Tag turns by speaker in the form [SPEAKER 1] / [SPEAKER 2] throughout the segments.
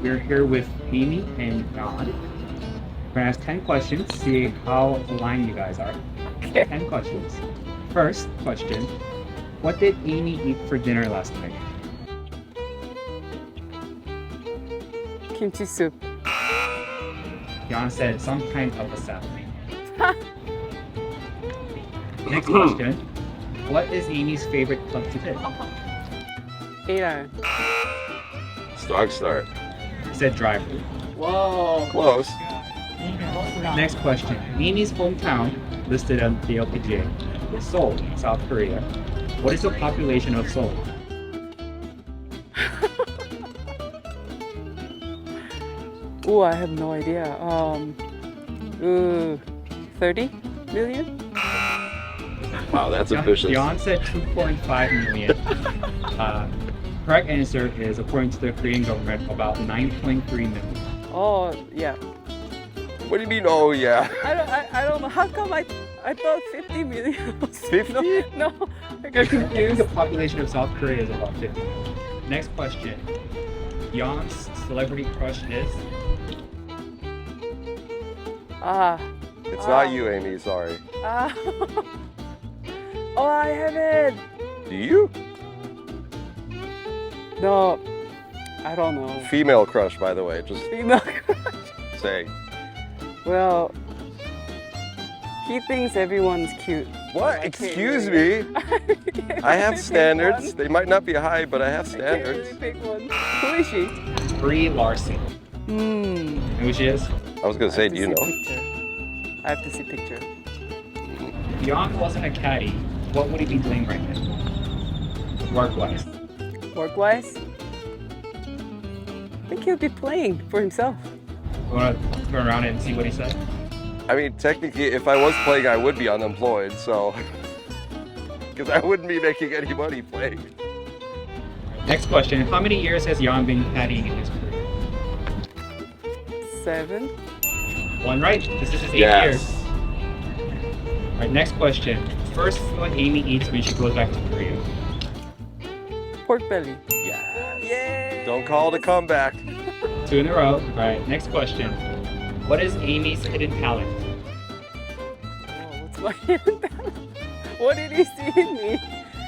[SPEAKER 1] We're here with Amy and John. We're gonna ask 10 questions, see how aligned you guys are.
[SPEAKER 2] Okay.
[SPEAKER 1] 10 questions. First question, what did Amy eat for dinner last night?
[SPEAKER 2] Kimchi soup.
[SPEAKER 1] John said some kind of a salad. Next question, what is Amy's favorite club to hit?
[SPEAKER 2] 8-iron.
[SPEAKER 3] Strong start.
[SPEAKER 1] He said driver.
[SPEAKER 2] Whoa.
[SPEAKER 3] Close.
[SPEAKER 1] Next question, Amy's hometown listed on the LPGA is Seoul, South Korea. What is the population of Seoul?
[SPEAKER 2] Ooh, I have no idea. 30 million?
[SPEAKER 3] Wow, that's ambitious.
[SPEAKER 1] Jan said 2.5 million. Correct answer is, according to the Korean government, about 9.3 million.
[SPEAKER 2] Oh, yeah.
[SPEAKER 3] What do you mean, oh yeah?
[SPEAKER 2] I don't know. How come I thought 50 million was
[SPEAKER 3] 50?
[SPEAKER 2] No, I got
[SPEAKER 1] I think
[SPEAKER 2] confused.
[SPEAKER 1] the population of South Korea is about 50 million. Next question. Jan's celebrity crush is?
[SPEAKER 2] Ah.
[SPEAKER 3] It's not you, Amy, sorry.
[SPEAKER 2] Ah. Oh, I have it.
[SPEAKER 3] Do you?
[SPEAKER 2] No, I don't know.
[SPEAKER 3] Female crush, by the way, just
[SPEAKER 2] Female.
[SPEAKER 3] saying.
[SPEAKER 2] Well, he thinks everyone's cute.
[SPEAKER 3] What?
[SPEAKER 2] I can't
[SPEAKER 3] Excuse
[SPEAKER 2] really-
[SPEAKER 3] me?
[SPEAKER 2] can't
[SPEAKER 3] I have
[SPEAKER 2] really pick
[SPEAKER 3] standards.
[SPEAKER 2] one.
[SPEAKER 3] They might not be high, but I have
[SPEAKER 2] I can't really
[SPEAKER 3] standards.
[SPEAKER 2] pick one. Who is she?
[SPEAKER 1] Brie Larson.
[SPEAKER 2] Hmm.
[SPEAKER 1] Who she is?
[SPEAKER 3] I was gonna say, do you know?
[SPEAKER 2] Picture. I have to see picture.
[SPEAKER 1] If Jan wasn't a caddy, what would he be doing right now? Work-wise.
[SPEAKER 2] Work-wise, I think he'll be playing for himself.
[SPEAKER 1] You wanna turn around and see what he said?
[SPEAKER 3] I mean, technically, if I was playing, I would be unemployed, so. Because I wouldn't be making any money playing.
[SPEAKER 1] Next question. How many years has Jan been caddying in his career?
[SPEAKER 2] 7.
[SPEAKER 1] One right. This is his 8th
[SPEAKER 3] Yes.
[SPEAKER 1] year. All right, next question. First food Amy eats when she goes back to Korea.
[SPEAKER 2] Pork belly.
[SPEAKER 3] Yes.
[SPEAKER 2] Yay!
[SPEAKER 3] Don't call it a comeback.
[SPEAKER 1] 2 in a row. All right, next question. What is Amy's hidden talent?
[SPEAKER 2] Oh, what's my hidden talent? What did he see in me?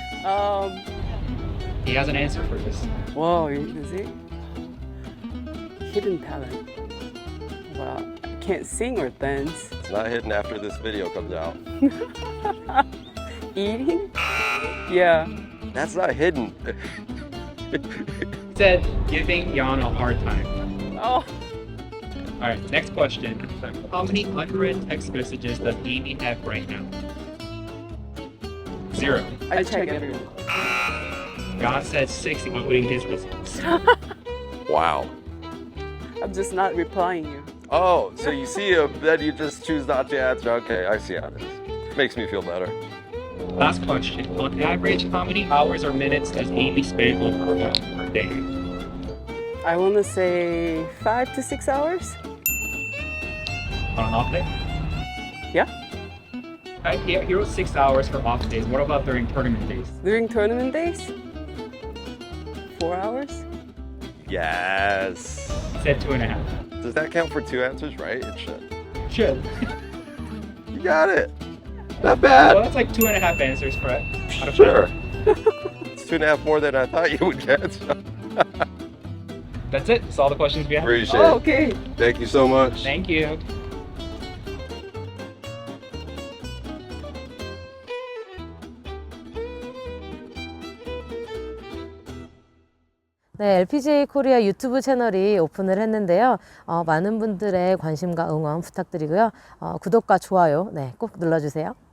[SPEAKER 1] He has an answer for this.
[SPEAKER 2] Whoa, is it? Hidden talent. Well, I can't sing or dance.
[SPEAKER 3] It's not hidden after this video comes out.
[SPEAKER 2] Eating? Yeah.
[SPEAKER 3] That's not hidden.
[SPEAKER 1] He said giving Jan a hard time.
[SPEAKER 2] Oh,
[SPEAKER 1] All right, next question. How many unread text messages does Amy have right now? 0.
[SPEAKER 2] I check everyone.
[SPEAKER 1] Jan said 6, including his results.
[SPEAKER 3] Wow.
[SPEAKER 2] I'm just not replying you.
[SPEAKER 3] Oh, so you see him, then you just choose not to answer. Okay, I see how it is. Makes me feel better.
[SPEAKER 1] Last question. On average, how many hours or minutes does Amy spend on her phone per day?
[SPEAKER 2] I want to say 5 to 6 hours.
[SPEAKER 1] On an off day?
[SPEAKER 2] Yeah.
[SPEAKER 1] He wrote 6 hours for off days. What about during tournament days?
[SPEAKER 2] During tournament days, 4 hours.
[SPEAKER 3] Yes.
[SPEAKER 1] He said 2.5.
[SPEAKER 3] Does that count for 2 answers, right? It should.
[SPEAKER 1] Should.
[SPEAKER 3] You got it. Not
[SPEAKER 1] Well,
[SPEAKER 3] bad.
[SPEAKER 1] that's like 2.5 answers, correct? Out of
[SPEAKER 3] Sure. It's 2.5 more than I thought you would get.
[SPEAKER 1] That's it. That's all the questions we have.
[SPEAKER 3] Appreciate
[SPEAKER 2] Oh,
[SPEAKER 3] it.
[SPEAKER 2] okay.
[SPEAKER 3] Thank you so much.
[SPEAKER 1] Thank you.
[SPEAKER 4] 네, LPGA 코리아 유튜브 채널이 오픈을 했는데요. 많은 분들의 관심과 응원 부탁드리고요. 구독과 좋아요 꼭 눌러주세요.